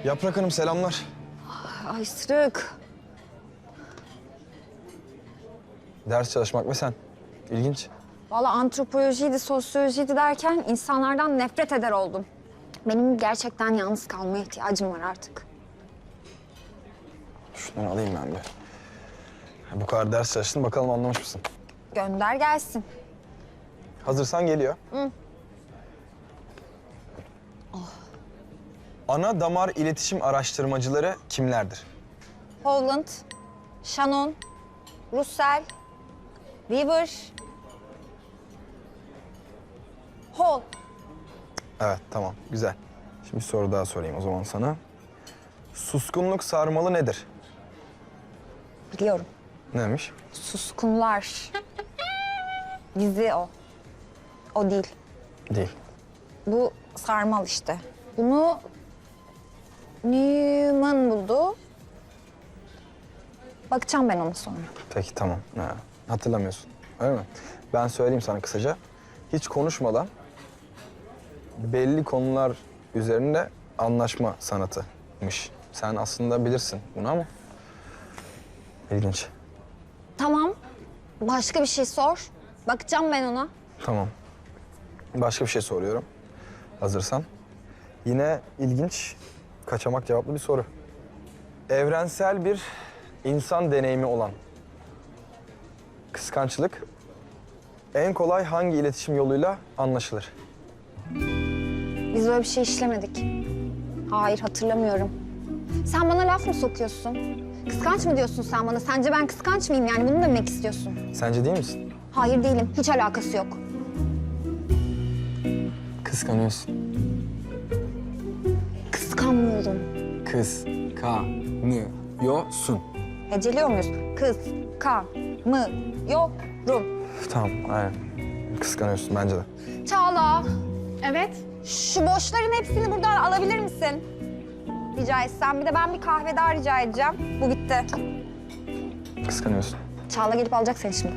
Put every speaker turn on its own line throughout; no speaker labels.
Yaprak Hanım selamlar.
Ay Sırık.
Ders çalışmak ve sen. İlginç.
Vallahi antropolojiydi, sosyolojiydi derken insanlardan nefret eder oldum. Benim gerçekten yalnız kalmaya ihtiyacım var artık.
Şunları alayım ben bir. Bu kadar ders çalıştın, bakalım anlamış mısın?
Gönder gelsin.
Hazırsan geliyor.
Hı.
Ana damar iletişim araştırmacıları kimlerdir?
Holland, Shannon, Russell, Weaver, Hall.
Evet, tamam. Güzel. Şimdi bir soru daha sorayım o zaman sana. Suskunluk sarmalı nedir?
Biliyorum.
Neymiş?
Suskunlar. Dizi o. O değil.
Değil.
Bu sarmal işte. Bunu Newman buldu. Bakacağım ben ona sonra.
Peki, tamam. Ha, hatırlamıyorsun. Öyle mi? Ben söyleyeyim sana kısaca. Hiç konuşmadan belli konular üzerinde anlaşma sanatıymış. Sen aslında bilirsin bunu ama ilginç.
Tamam. Başka bir şey sor. Bakacağım ben ona.
Tamam. Başka bir şey soruyorum. Hazırsan. Yine ilginç, kaçamak cevaplı bir soru. Evrensel bir insan deneyimi olan kıskançlık en kolay hangi iletişim yoluyla anlaşılır?
Biz öyle bir şey işlemedik. Hayır, hatırlamıyorum. Sen bana laf mı sokuyorsun? Kıskanç mı diyorsun sen bana? Sence ben kıskanç mıyım yani? Bunu mu demek istiyorsun?
Sence değil misin?
Hayır değilim. Hiç alakası yok.
Kıskanıyorsun.
Kıskanmıyorum.
Kıskanıyorsun.
Heceliyor muyuz? Yorum.
Tamam, aynen. Kıskanıyorsun bence de.
Çağla,
Evet.
şu boşların hepsini buradan alabilir misin? Rica etsem. Bir de ben bir kahve daha rica edeceğim. Bu bitti.
Kıskanıyorsun.
Çağla gelip alacak seni şimdi.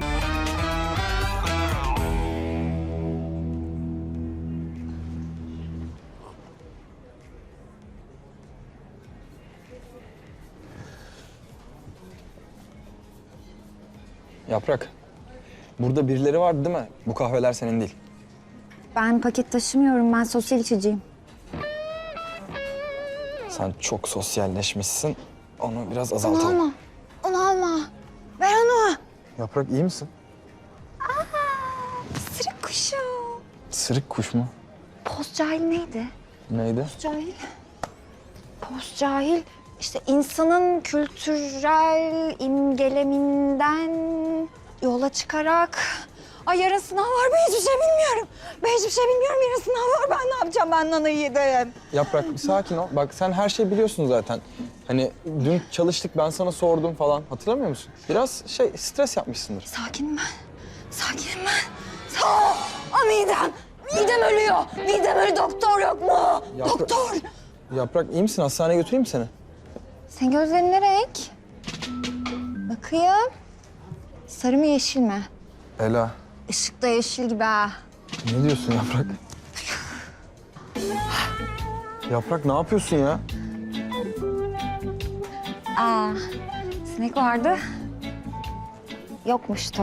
Yaprak, burada birileri vardı değil mi? Bu kahveler senin değil.
Ben paket taşımıyorum. Ben sosyal içiciyim.
Sen çok sosyalleşmişsin. Onu biraz
Onu
azaltalım.
alma. Onu alma. Ver onu.
Yaprak, iyi misin?
Sırık kuşu.
Sırık kuş mu?
Post cahil neydi?
Neydi?
Cahil. Post cahil. İşte insanın kültürel imgeleminden yola çıkarak... Ay yarın sınav var, ben hiçbir şey bilmiyorum. Ben hiçbir şey bilmiyorum, yarın sınav var. Ben ne yapacağım, ben nanayı yedim.
Yaprak, bir sakin ol. Bak sen her şeyi biliyorsun zaten. Hani dün çalıştık, ben sana sordum falan. Hatırlamıyor musun? Biraz stres yapmışsındır.
Sakinim ben. Sakinim ben. Sağ ol. Midem. Midem ölüyor. Midem ölüyor. Doktor yok mu?
Yaprak-
Doktor.
Yaprak, iyi misin? Hastaneye götüreyim mi seni?
Senin gözlerin ne renk? Bakayım. Sarı mı yeşil mi?
Ela,
Işık da yeşil gibi ha.
ne diyorsun Yaprak? Yaprak, ne yapıyorsun ya?
Aa, sinek vardı. Yokmuştu.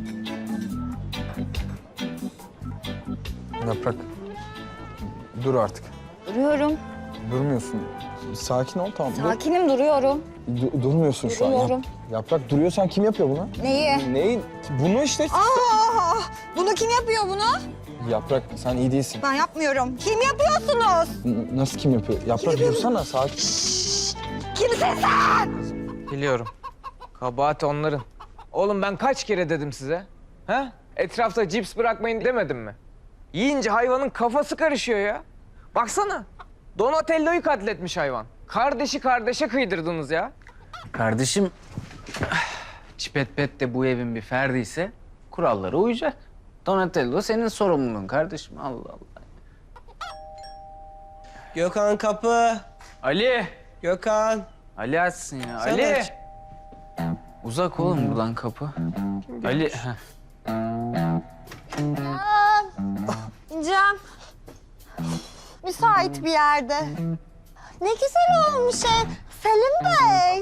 Yaprak, dur artık.
Duruyorum.
Durmuyorsun. Sakin ol, tamam.
Sakinim, duruyorum.
Durmuyorsun şu an.
Duruyorum.
Yaprak, duruyorsan kim yapıyor bunu?
Neyi?
Neyi? Bunu işte.
Aa, bunu kim yapıyor bunu?
Yaprak, sen iyi değilsin.
Ben yapmıyorum. Kim yapıyorsunuz?
Nasıl kim yapıyor? Yaprak, dursana, sakin.
Kimsin sen?
Biliyorum. Kabahat onların. Oğlum ben kaç kere dedim size? Ha? Etrafta cips bırakmayın demedim mi? Yiyince hayvanın kafası karışıyor ya. Baksana. Donatello'yu katletmiş hayvan. Kardeşi kardeşe kıydırdınız ya.
Kardeşim, Çipet Pet de bu evin bir ferdiyse kurallara uyacak. Donatello senin sorumluluğun kardeşim. Allah Allah.
Gökhan kapı.
Ali!
Gökhan.
Ali açsın ya.
Sen
Ali!
aç.
Uzak oğlum buradan kapı. Ali, heh.
İneceğim. Müsait bir yerde. ne güzel olmuş ev. Selim Bey.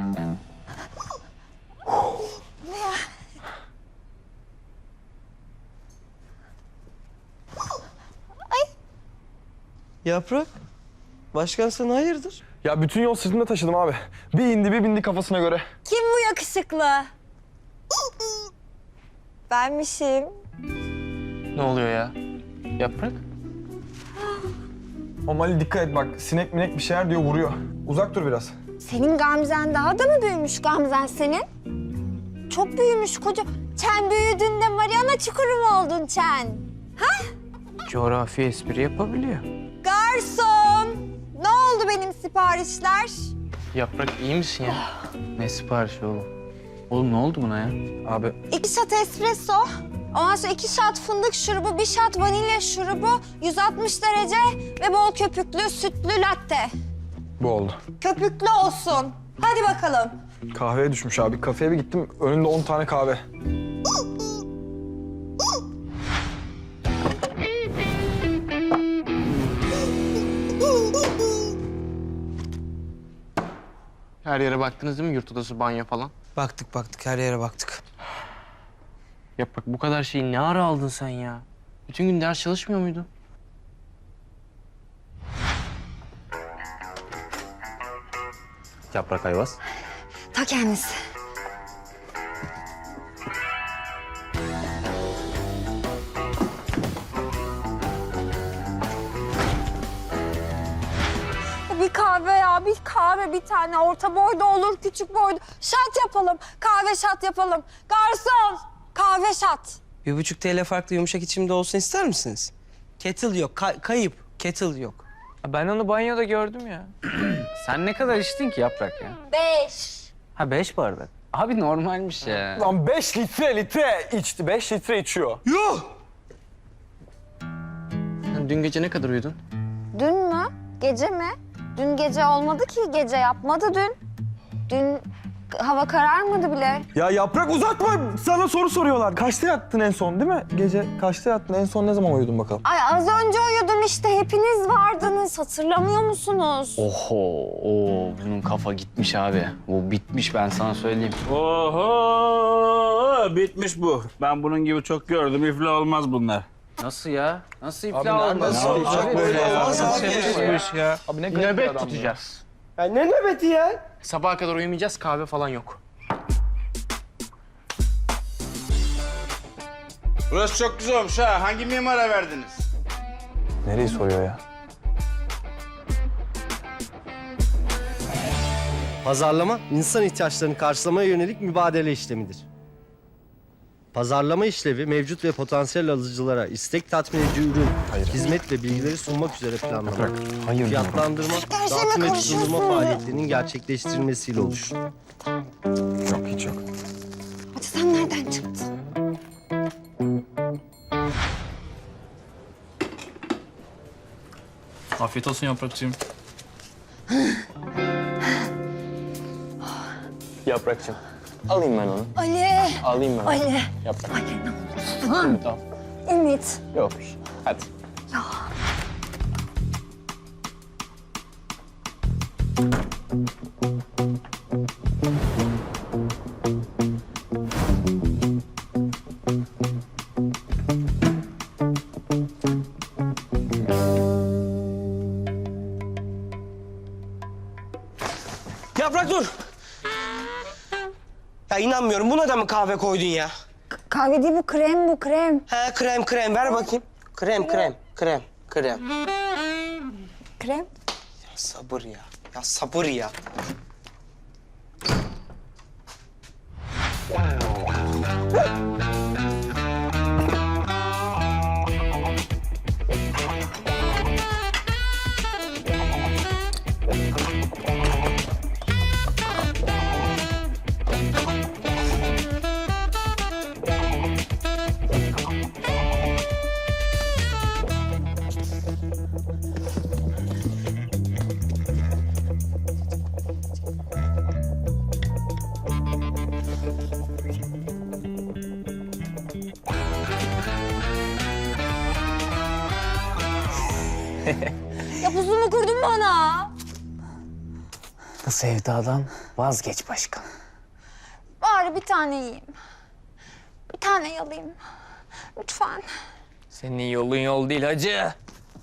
Yaprak. Başkan sen hayırdır?
Ya bütün yol sırtımda taşıdım abi. Bir indi bir bindi kafasına göre.
Kim bu yakışıklı? Benmişim.
Ne oluyor ya? Yaprak?
O Mali dikkat et bak. Sinek minek bir şeyler diyor vuruyor. Uzak dur biraz.
Senin Gamzen daha da mı büyümüş Gamzen senin? Çok büyümüş koca. Çen büyüdüğünde Mariana Çukuru mu oldun Çen?
Coğrafi espri yapabiliyor.
Garson! Ne oldu benim siparişler?
Yaprak iyi misin ya? Ne siparişi oğlum? Oğlum ne oldu buna ya?
Abi
2 shot espresso, ondan sonra 2 shot fındık şurubu, 1 shot vanilya şurubu, 160 derece ve bol köpüklü sütlü latte.
bu oldu.
Köpüklü olsun. Hadi bakalım.
Kahveye düşmüş abi. Kafeye bir gittim. Önünde 10 tane kahve.
Her yere baktınız değil mi? Yurt odası, banyo falan.
Baktık her yere baktık.
Yaprak bu kadar şeyi ne ara aldın sen ya? Bütün gün ders çalışmıyor muydun?
Yaprak Ayvaz.
Ta kendisi. Bir kahve ya, bir kahve bir tane. Orta boyda olur, küçük boyda. Şat yapalım, kahve şat yapalım. Garson, kahve şat.
1,5 TL farklı yumuşak içimde olsun ister misiniz? Kettle yok, kayıp. Kettle yok.
Ben onu banyoda gördüm ya.
Sen ne kadar içtin ki Yaprak ya?
5.
Ha 5 bardak. Abi normalmiş ya.
Lan 5 litre içti. 5 litre içiyor.
Yuh!
Sen dün gece ne kadar uyudun?
Dün mü? Gece mi? Dün gece olmadı ki, gece yapmadı dün. Dün hava kararmadı bile.
Ya Yaprak uzatma. Sana soru soruyorlar. Kaçta yattın en son değil mi? Gece kaçta yattın? En son ne zaman uyudun bakalım?
Ay az önce uyudum işte, hepiniz vardınız. Hatırlamıyor musunuz?
Oho, bunun kafa gitmiş abi. Bu bitmiş ben sana söyleyeyim.
Oho! Bitmiş bu. Ben bunun gibi çok gördüm. İflah olmaz bunlar.
Nasıl ya? Nasıl
Abi
iflah olmaz?
nasıl olacak böyle ya?
Olmaz abi ya.
Abi ne garip bir
Nöbet
adam ya.
tutacağız.
Ya ne nöbeti ya?
Sabaha kadar uyumayacağız, kahve falan yok.
Burası çok güzel olmuş ha. Hangi mimara verdiniz?
Nereyi soruyor ya?
Pazarlama, insan ihtiyaçlarını karşılamaya yönelik mübadele işlemidir. Pazarlama işlevi, mevcut ve potansiyel alıcılara istek tatmin edici ürün, hizmet ve bilgileri sunmak üzere planlama, fiyatlandırma, dağıtım ve sunulma faaliyetlerinin gerçekleştirilmesiyle oluşur.
Yok hiç yok.
Hadi sen nereden çıktın?
Afiyet olsun Yaprakçığım.
Yaprakçığım, alayım ben onu.
Ali,
Alayım ben onu.
Ali.
Yaprak.
Ali ne olursun.
Tamam.
Ümit.
Yok bir şey. Hadi.
Yaprak dur! Ya inanmıyorum, buna da mı kahve koydun ya?
Kahve değil bu, krem bu, krem.
He krem, ver bakayım. Krem.
Krem.
Ya sabır ya, sabır ya.
Ya pusumu kurdun bana.
sevdadan vazgeç başkan.
Bari bir tane yiyeyim. Bir tane yalayayım. Lütfen.
Senin yolun yol değil hacı.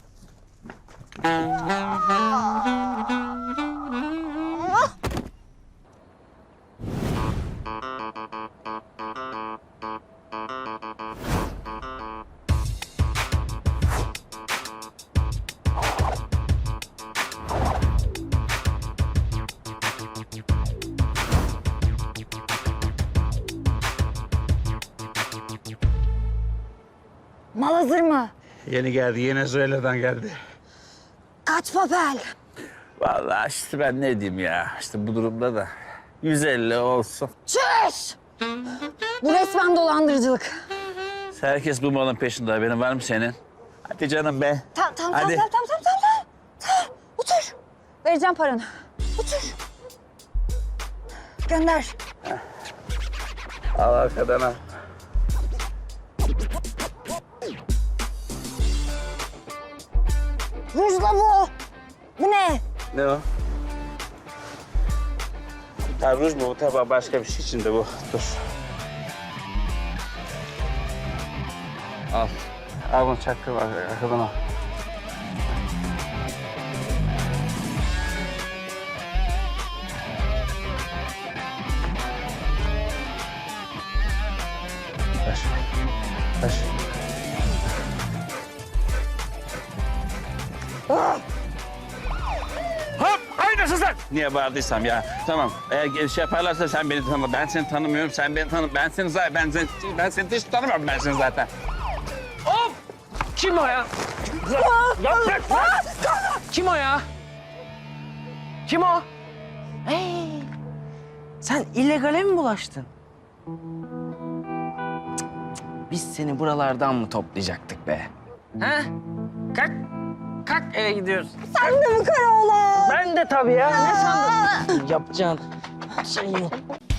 Mal hazır mı?
Yeni geldi, Venezuela'dan geldi.
Kaç papel?
Vallahi işte ben ne diyeyim ya, işte bu durumda da 150 olsun.
Çüş! Bu resmen dolandırıcılık.
Herkes bu malın peşinde, haberin var mı senin? Hadi canım be.
Tamam.
Hadi.
Tamam. Otur. Vereceğim paranı. Otur. Gönder.
Al arkadan al.
Rujla bu. Bu ne?
Ne o? Ha, ruj mu? Bu tabii başka bir şey içinde bu. Dur. Al. Al bunu çaktır arkadan al. Ver. Ver. Hop! Aynasın sen! Niye bağırdıysam ya. Tamam. Eğer şey yaparlarsa sen beni tanı. Ben seni tanımıyorum. Sen beni tanı. Ben seni zaten ben seni hiç tanımıyorum ben seni zaten.
Hop! Kim o ya? Yaprak! Kim o ya? Kim o?
Sen illegale mi bulaştın?
Biz seni buralardan mı toplayacaktık be? Ha? Kalk. Kalk eve gidiyoruz.
Sen de mi Karaoğlan?
Ben de tabii ya. Ne sandın?
Yapacaksın. Şey yok.